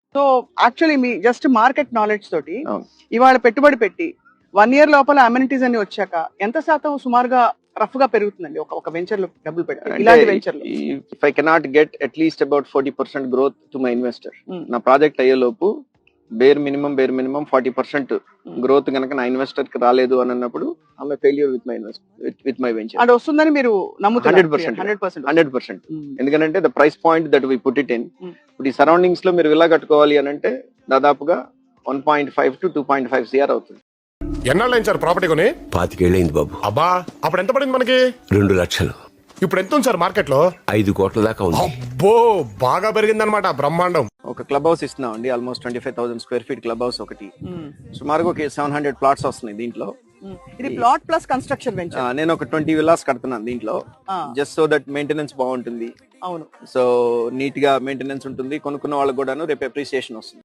So actually మీ just market knowledge తోటి అవును. ఇవాళ పెట్టుబడి పెట్టి 1 year లోపల అమ్యూనిటీస్ అన్ని వచ్చాక ఎంత శాతం సుమారుగా రఫ్ గా పెరుగుతుందండి ఒక వెంచర్ లో డబ్బులు పెట్టి ఇలాంటి వెంచర్ లో? If I cannot get at least about 40% growth to my investor, Hmm. నా ప్రాజెక్ట్ అయ్యే లోపు బేర్ మినిమం 40% గ్రోత్ కనుక నా ఇన్వెస్టర్ కి రాలేదు అని అన్నప్పుడు ఆమె failure with my with my venture. అంటే వస్తుందని మీరు నమ్ముతున్నారు? 100%. 100%. 100%. ఎందుకంటే the price point that we put it in, Hmm. ఇప్పుడు ఈ సరౌండింగ్స్ లో మీరు విల్లా కట్టుకోవాలి అని అంటే దాదాపుగా 1.5 to 2.5 CR అవుతుంది. ఎన్నాళ్ళైంది సార్ ప్రాపర్టీ కొని? 25 ఏళ్ళైంది బాబు. అబ్బా, అప్పుడు ఎంత పడింది మనకి? 2 లక్షలు. ఇప్పుడు ఎంత ఉంది సార్ మార్కెట్ లో? 5 కోట్ల దాకా ఉంది. అబ్బో, బాగా పెరిగిందనమాట, బ్రహ్మాండం. ఒక క్లబ్ హౌస్ ఇస్తున్నాం అండి, almost 25,000 square feet club house ఒకటి. Hmm. సుమారుగా ఒక 700 plots వస్తున్నాయి దీంట్లో. Hmm. ఇది ప్లాట్ ప్లస్ కన్స్ట్రక్షన్ వెంచర్. నేను ఒక 20 villas కడుతున్నాను దీంట్లో, Ah. Just so that maintenance బాగుంటుంది. అవును. సో నీట్ గా మెయింటెనెన్స్ ఉంటుంది, కొనుక్కున్న వాళ్ళకి కూడాను రేపు అప్రిసియేషన్ వస్తుంది.